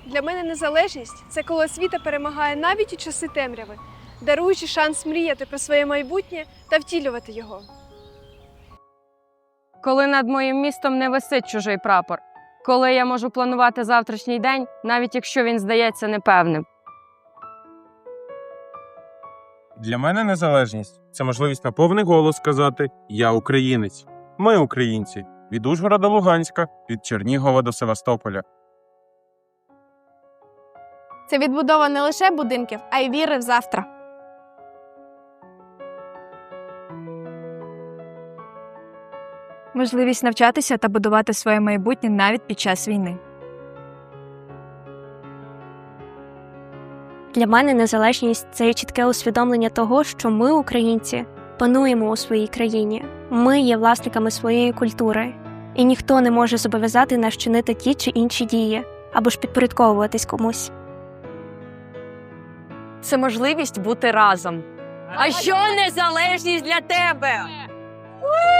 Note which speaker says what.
Speaker 1: Для мене незалежність – це коли освіта перемагає навіть у часи темряви, даруючи шанс мріяти про своє майбутнє та втілювати його.
Speaker 2: Коли над моїм містом не висить чужий прапор. Коли я можу планувати завтрашній день, навіть якщо він здається непевним.
Speaker 3: Для мене незалежність – це можливість на повний голос сказати «Я українець». Ми українці. Від Ужгорода до Луганська, від Чернігова до Севастополя.
Speaker 4: Це відбудова не лише будинків, а й віри в завтра.
Speaker 5: Можливість навчатися та будувати своє майбутнє навіть під час війни.
Speaker 6: Для мене незалежність – це чітке усвідомлення того, що ми, українці, пануємо у своїй країні. Ми є власниками своєї культури. І ніхто не може зобов'язати нас чинити ті чи інші дії, або ж підпорядковуватись комусь.
Speaker 2: Це можливість бути разом. А що незалежність для тебе?